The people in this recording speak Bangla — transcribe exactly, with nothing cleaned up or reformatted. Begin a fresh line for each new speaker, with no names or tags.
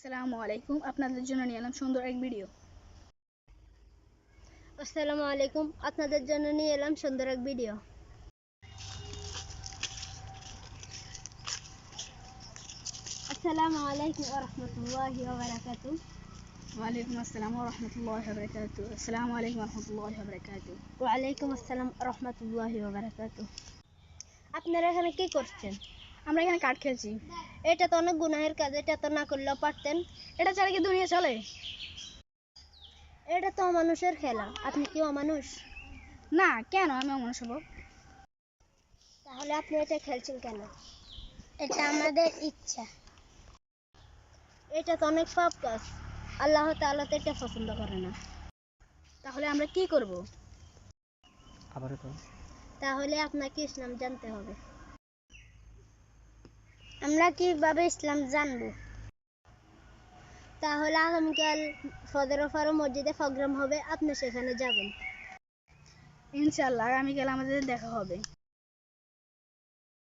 আসসালামু আলাইকুম, আপনাদের জন্য নিয়ে এলাম সুন্দর এক ভিডিও।
আসসালামু আলাইকুম, আপনাদের জন্য নিয়ে এলাম সুন্দর এক ভিডিও। আসসালামু আলাইকুম ওয়া রাহমাতুল্লাহি ওয়া বারাকাতুহু।
ওয়ালাইকুম আসসালাম ওয়া রাহমাতুল্লাহি ওয়া বারাকাতুহু। আসসালামু আলাইকুম ওয়া রাহমাতুল্লাহি ওয়া বারাকাতুহু।
ওয়া আলাইকুম আসসালাম ওয়া রাহমাতুল্লাহি ওয়া বারাকাতুহু। আপনারা এখানে কি করছেন?
আমরা এখানে কাঠ খেলছি।
এটা তো অনেক গুনাহের কাজ, এটা তো না করলেও পারতেন।
এটা ছাড়া কি দুনিয়া চলে?
এটা তো অমানুষের খেলা, আপনি কি অমানুষ?
না, কেন আমি অমানুষ হব?
তাহলে আপনি এটা খেলছেন কেন? এটা আমাদের ইচ্ছা। এটা তো অনেক পাপ কাজ, আল্লাহ তাআলা তো এটা পছন্দ করে না।
তাহলে আমরা কি করব?
আবারও তো তাহলে আপনাকে ইসলাম জানতে হবে। আমরা কিভাবে ইসলাম জানব? তাহলে আগামীকাল ফজর ফারো মসজিদে প্রোগ্রাম হবে, আপনি সেখানে যাবেন।
ইনশাআল্লাহ আগামীকাল আমাদের দেখা হবে।